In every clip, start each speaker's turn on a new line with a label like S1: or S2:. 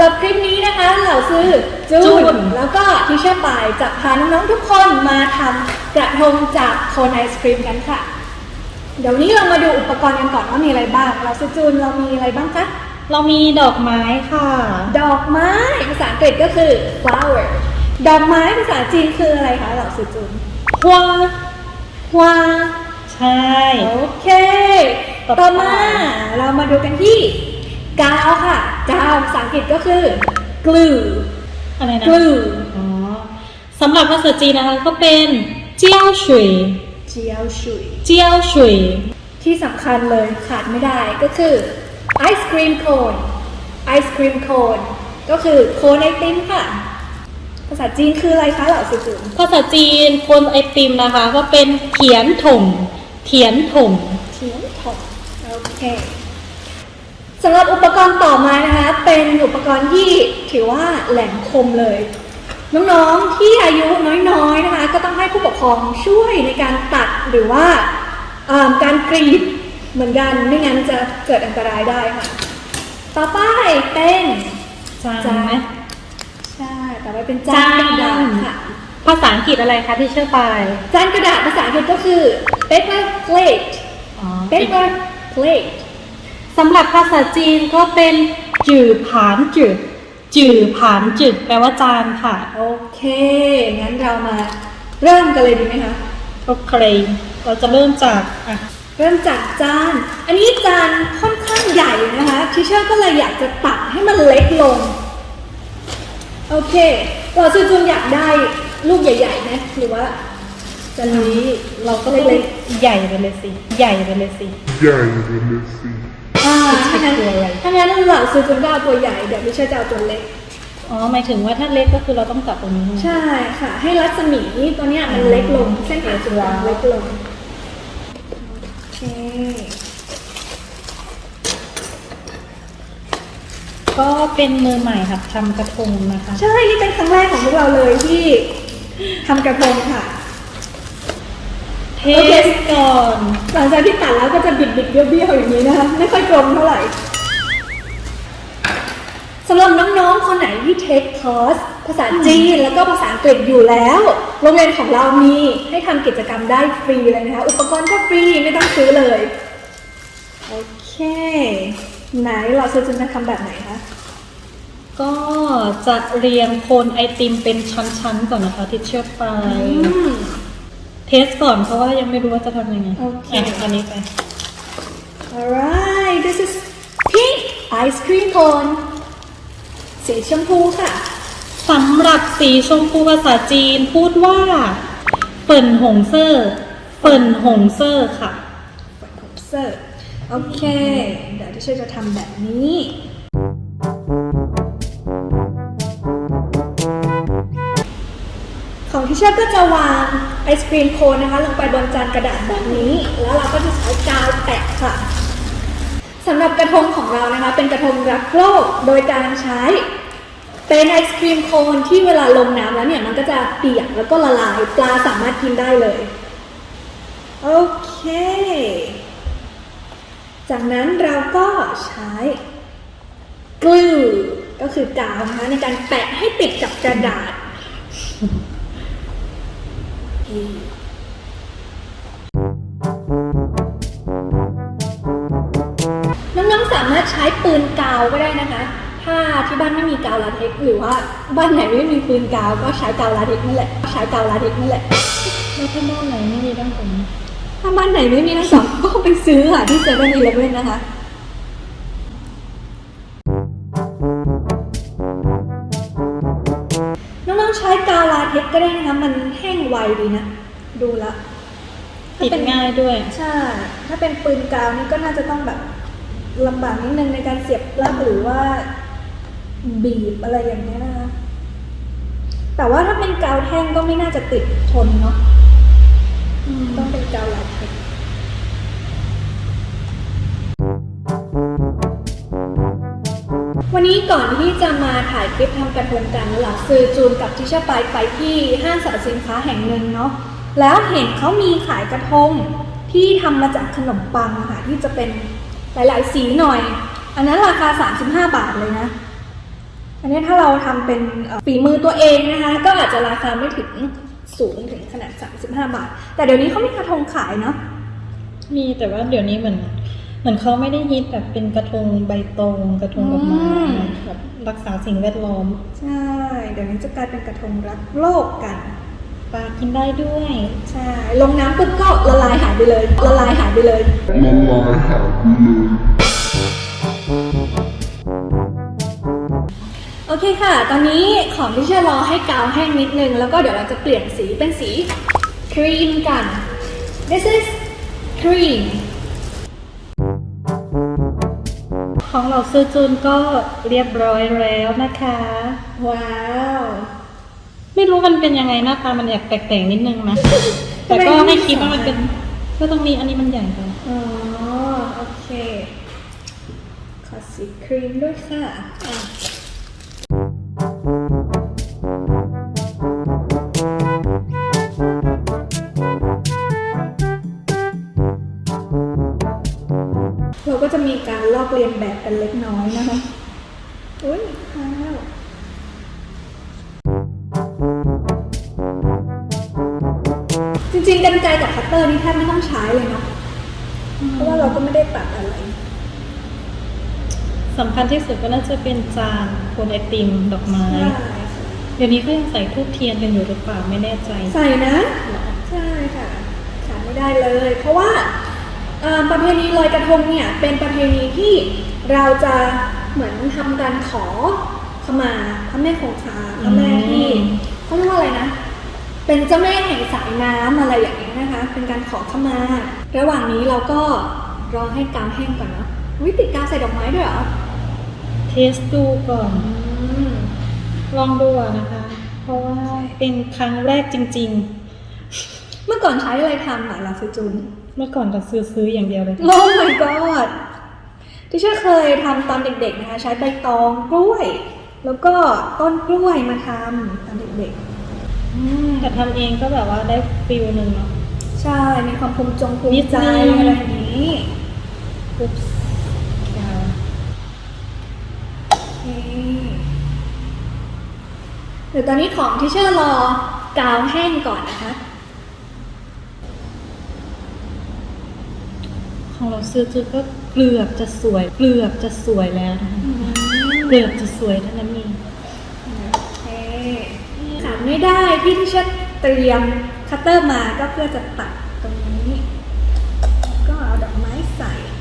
S1: รับคลิปนี้นะคะเหล่าซื้อจูนแล้วก็ทิชเชอร์ปายจะพาน้องๆทุกคนมาทำกระทงจากโคนไอศครีมกันค่ะเดี๋ยวนี้เรามาดูอุปกรณ์กันก่อนว่ามีอะไรบ้างเราซื้อจูนเรามีอะไรบ้างคะ
S2: เรามีดอกไม้ค่ะ
S1: ดอกไม้ภาษาอังกฤษก็คือ flower ดอกไม้ภาษาจีนคืออะไรคะเราซื้อจูน
S2: ฮวา
S1: ฮวา
S2: ใช่
S1: โอเคต่อมาเรามาดูกันที่กาวค่ะกาวภาษาอังกฤษก็คือ glue
S2: อะไรนะ
S1: glue
S2: อ๋อสำหรับภาษาจีนนะคะก็เป็นเจียวฉุย
S1: เจียวฉุย
S2: เจียวฉุย
S1: ที่สำคัญเลยขาดไม่ได้ก็คือไอศครีมโคนไอศครีมโคนก็คือโคนไอติมค่ะภาษาจีนคืออะไรคะเหล่าสื่อ
S2: ภาษาจีนโคนไอติมนะคะก็เป็นเถียนถงเถียนถง
S1: เถียนถงโอเคสำหรับอุปกรณ์ต่อมานะคะเป็นอุปกรณ์ที่ถือว่าแหลมคมเลยน้องๆที่อายุน้อยๆนะคะก็ต้องให้ผู้ปกครองช่วยในการตัดหรือว่าการกรีดเหมือนกันไม่งั้นจะเกิดอันตรายได้ค่ะต่อไปเป็น
S2: จานไหม
S1: ใช่ต่อไปเป็นจานกระดาษค่ะ
S2: ภาษาอังกฤษอะไรคะที่เชื่อไป
S1: จานกระดาษภาษาอังกฤษก็คือ paper plate paper plate
S2: สำหรับภาษาจีนก็เป็นจื่อผานจื่อจื่อผานจื่อแปลว่าจานค่ะ
S1: โอเคงั้นเรามาเริ่มกันเลยดีไหมคะ
S2: โอเคเราจะเริ่มจาก
S1: เริ่มจากจานอันนี้จานค่อนข้างใหญ่นะคะทิเชอร์ก็เลยอยากจะตัดให้มันเล็กลงโอเคเราซื้อจุนอยากได้ลูกใหญ่ๆไหมหรือว่าจานนี้
S2: เราก็เล็กใหญ่ไปเลยสิใหญ่ไปเลยสิ
S3: ใหญ่ไปเลยสิ
S1: ถ้างั้นเราซื้อจุนก็เอาตัวใหญ่เดี๋ยวทิเชอร์จะเอาตัวเล็ก
S2: อ๋อหมายถึงว่าถ้าเล็กก็คือเราต้องตัดตรงนี้
S1: ใช่ค่ะให้รัศมีตัวเนี้ยมันเล็กลงเส้นผ่าศูนย์กลางเล็กลงโอเค
S2: ก็เป็นมือใหม่ค่ะทำกระทงนะคะ
S1: ใช่นี่เป็นครั้งแรกของพวกเราเลยที่ทำกระทงค่ะ
S2: เทสก่อน
S1: หลังจากที่ตัดแล้วก็จะบิดๆเบี้ยวๆอย่างนี้นะคะไม่ค่อยกลมเท่าไหร่สำหรับน้องๆคนไหนที่เทคคอร์สภาษาจีนแล้วก็ภาษาอังกฤษอยู่แล้วโรงเรียนของเรามีให้ทำกิจกรรมได้ฟรีเลยนะคะอุปกรณ์ก็ฟรีไม่ต้องซื้อเลยโอเคไหนเราจะทำแบบไหนคะ
S2: ก็จะเรียงโคนไอติมเป็นชั้นๆก่อนนะคะที่เชื่อไปเทสก่อนเพราะว่ายังไม่รู้ว่าจะทำยังไง
S1: โอเค
S2: อันนี้ไป
S1: alright this is pink ice cream cone สีชมพูค่ะ
S2: สำหรับสีชมพูภาษาจีนพูดว่าเปิ่นหงเซ่อเปิ่นหงเซ่อค่ะ
S1: เปิ่นหงเซ่อโอเคเดี๋ยวที่ช่วยจะทำแบบนี้ของที่เชื่อก็จะวางไอศครีมโคนนะคะลงไปบนจานกระดาษแบบนี้แล้วเราก็จะใช้กาวแปะค่ะสำหรับกระทงของเรานะคะเป็นกระทงรักโลกโดยการใช้เป็นไอศครีมโคนที่เวลาลงน้ำแล้วเนี่ยมันก็จะเปียกแล้วก็ละลายปลาสามารถกินได้เลยโอเคจากนั้นเราก็ใช้กลูก็คือกาวนะคะในการแปะให้ติดกับกระดาษน้องๆสามารถใช้ปืนกาวก็ได้นะคะถ้าที่บ้านไม่มีกาวลาเท็กซ์หรือว่าบ้านไหนไม่มีปืนกาวก็ใช้กาวลาเท็กซ์นั่นแหละแล้วถ้าบ้านไหนไม่มีทั้งสองถ้าบ้านไหนไม่มีทั้งสองก็ไปซื้อค่ะที่เซเว่นอีเลฟเว่นนะคะน้องๆใช้กาวลาเท็กซ์ก็ได้นะคะมันแห้งไวดีนะดูละ
S2: ติดง่ายด้วย
S1: ใช่ถ้าเป็นปืนกาวนี่ก็น่าจะต้องแบบลำบากนิดนึงในการเสียบปลั๊กหรือว่าบีบอะไรอย่างนี้นะคะแต่ว่าถ้าเป็นกาวแท่งก็ไม่น่าจะติดทนเนาะต้องเป็นกาวลาเท็กซ์วันนี้ก่อนที่จะมาถ่ายคลิปทำกระทงกันหลังซื้อจูนกับทิชเชอร์ไปที่ห้างสรรพสินค้าแห่งหนึ่งเนาะแล้วเห็นเขามีขายกระทงที่ทำมาจากขนมปังค่ะที่จะเป็นหลายๆสีหน่อยอันนั้นราคา35 บาทเลยนะอันนี้ถ้าเราทำเป็นฝีมือตัวเองนะคะ ก็อาจจะราคาไม่ถึงสูงถึงขนาด35 บาท แต่เดี๋ยวนี้เขามีกระทงขายเนาะ
S2: มีแต่ว่าเดี๋ยวนี้เหมือนเขาไม่ได้ฮิตแบบเป็นกระทงใบตองกระทงดอกไม้แบบรักษาสิ่งแวดล้อม
S1: ใช่ เดี๋ยวนี้จะกลายเป็นกระทงรักโลกกัน
S2: ปลากินได้ด้วย
S1: ใช่ ลงน้ำปุ๊บก็ละลายหายไปเลย ละลายหายไปเลย โอเคค่ะ ตอนนี้ของที่จะรอให้กาวแห้งนิดนึง แล้วก็เดี๋ยวเราจะเปลี่ยนสีเป็นสีครีมกัน This is cream
S2: ของเราซื้อจูนก็เรียบร้อยแล้วนะคะ
S1: ว้าว
S2: ไม่รู้มันเป็นยังไงหน้าตามันแอบแปลกๆนิดนึงนะ แต่ก็ไม่คิดว่ามันเป็นก็ตรงนี้อันนี้มันใหญ่ไป
S1: อ๋อ โอเค ขอสีครีมด้วยค่ะเราก็จะมีการลอกเลียนแบบกันเล็กน้อยนะคะ อุ้ยว้าวจริงๆกรรไกรกับคัตเตอร์นี่แทบไม่ต้องใช้เลยเนาะ เพราะว่าเราก็ไม่ได้ตัดอะไร
S2: สำคัญที่สุดก็น่าจะเป็นจานโคนไอติมดอกไม้
S1: ใช่
S2: เดี๋ยวนี้ก็ยังใส่ทูบเทียนกันอยู่หรือเปล่าไม่แน่ใจ
S1: ใส่นะ ใช่ค่ะขาดไม่ได้เลย เพราะว่าประเพณีลอยกระทงเนี่ยเป็นประเพณีที่เราจะเหมือนทำการขอขมาพระแม่คงคาพระแม่ที่เขาเรียกว่าอะไรนะ เป็นเจ้าแม่แห่งสายน้ำอะไรอย่างนี้ยนะคะ เป็นการขอขมา ระหว่างนี้เราก็รอให้กาวแห้งก่อนเนาะวิติดกาวใส่ดอกไม้ด้วยเหรอ
S2: เทสดูก่อน ลองดูอะนะคะ เพราะว่าเป็นครั้งแรกจริง
S1: เมื่อก่อนใช้อะไรทำอ่ะลาซจูน
S2: ๆ เมื่อก่อนก็ซื้ออย่างเดียวเลย
S1: โอ้ my god ที่ฉันเคยทำตอนเด็กๆนะคะ ใช้ใบตองกล้วย แล้วก็ต้นกล้วยมาทำตอนเด็กๆ
S2: แต่ทำเองก็แบบว่าได้ฟิลหนึ่งเนาะ
S1: ใช่ มีความภูมิใจ
S2: นิดนึง
S1: อะไรอย่างนี้
S2: ปุ๊บยาว
S1: เดี๋ยวตอนนี้ของที่เชื่อรอกาวแห้งก่อนนะคะ
S2: ของเราซื้อจุดก็เกือบจะสวย แล้วนะคะเกือบจะสวยเท่านั้นเอง
S1: โอเคขาดไม่ได้ที่เชื่อเตรียมคัตเตอร์มาก็เพื่อจะตัดตรงนี้ ก็เอาดอกไม้ใส่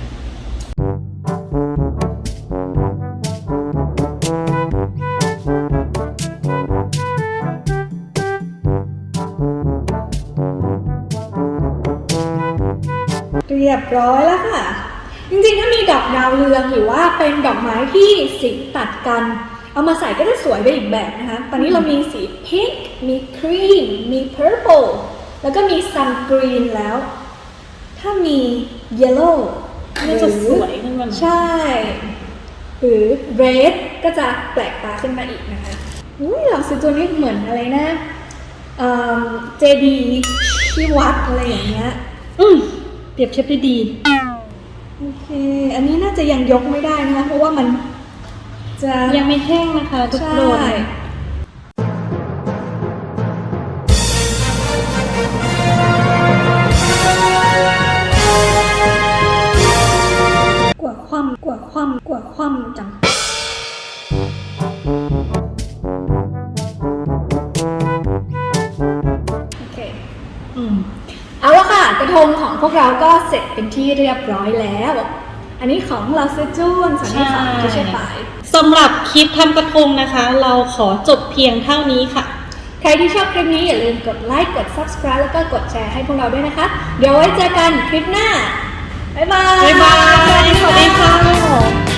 S1: เรียบร้อยแล้วค่ะ จริงๆถ้ามีดอกดาวเรืองหรือว่าเป็นดอกไม้ที่สีตัดกัน เอามาใส่ก็จะสวยไปอีกแบบนะคะ ตอนนี้เรามีสีพิงค์มีครีมมี purple แล้วก็มี sun green แล้ว ถ้ามี yellow
S2: น่าจะสวยขึ้นมาหน่อย
S1: ใช่ หรือ red ก็จะแปลกตาขึ้นมาอีกนะคะอุ้ยเราซื้อตัวนี้เหมือนอะไรนะเจดีที่วัดอะไรอย่างเงี้ย
S2: เปรียบเทียบได้ดี
S1: โอเค อันนี้น่าจะยังยกไม่ได้นะคะ เพราะว่ามันจะ
S2: ยังไม่แห้งนะคะทุก
S1: ใช่
S2: คน
S1: กว่าความจัง โอเค เอาละค่ะ กระทงของพวกเราก็เสร็จเป็นที่เรียบร้อยแล้ว อันนี้ของเราซื้อจูนส่วนนี้ของที่ใช่ฝ่าย
S2: สำหรับคลิปทำกระทงนะคะ เราขอจบเพียงเท่านี้ค่ะ
S1: ใครที่ชอบคลิปนี้อย่าลืมกดไลค์ กด subscribe แล้วก็กดแชร์ให้พวกเราด้วยนะคะ เดี๋ยวไว้เจอกันคลิปหน้า บ๊ายบาย
S2: บ๊ายบาย สวัสดีค่ะ